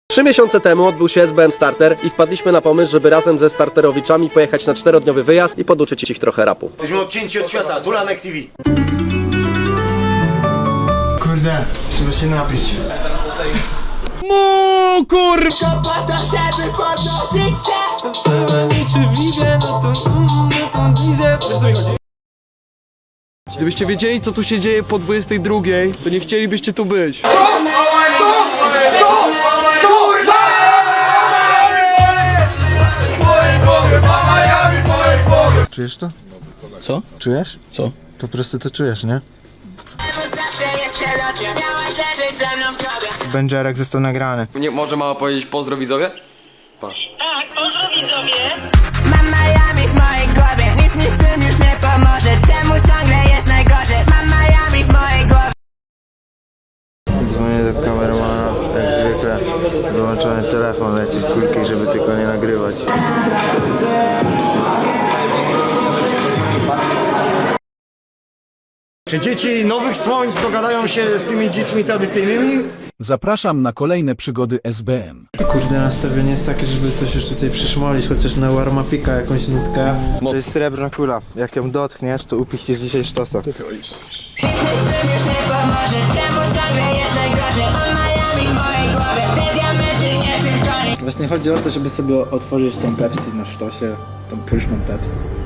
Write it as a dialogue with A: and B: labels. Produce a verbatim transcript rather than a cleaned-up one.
A: Trzy miesiące temu odbył się S B M Starter i wpadliśmy na pomysł, żeby razem ze starterowiczami pojechać na czterodniowy wyjazd i poduczyć ich trochę rapu.
B: Jesteśmy odcięci od świata, Dulanek T V.
C: Kurde, trzeba się napić.
D: Mu kur...
E: To po to, żeby podnosić się.
D: Czy widzę, no to... no to widzę... Wiesz, co mi chodzi? Gdybyście wiedzieli, co tu się dzieje po dwudziestej drugiej, to nie chcielibyście tu być.
C: Czujesz to?
D: Co?
C: Czujesz?
D: Co?
C: Po prostu to czujesz, nie?
E: Zawsze jest przelotnie. Miałaś leżeć ze mną w grobie.
C: Będziarek został nagrany.
F: Nie, może mała powiedzieć pozdro widzowie?
E: Tak, pozdro widzowie. Mam Miami w mojej głowie. Nic mi z tym już nie pomoże. Czemu ciągle jest najgorzej? Mam Miami w mojej głowie.
C: Dzwonię do kameramana, jak zwykle. Wyłączony telefon, leci w kulki, żeby tylko nie nagrywać.
B: Czy dzieci Nowych Słońc dogadają się z tymi dziećmi tradycyjnymi?
G: Zapraszam na kolejne przygody S B M.
C: Kurde, nastawienie jest takie, żeby coś już tutaj przyszmolić, chociaż na warmapika jakąś nutkę. To jest srebrna kula. Jak ją dotkniesz, to upichniesz dzisiaj sztosa.
E: Nic mi z tym już nie pomoże. Czemu ciągle jest najgorzej? Mam Miami w mojej głowie. Te diamenty nie tylko nie.
C: Właśnie chodzi o to, żeby sobie otworzyć tą Pepsi na sztosie, tą pyszną Pepsi.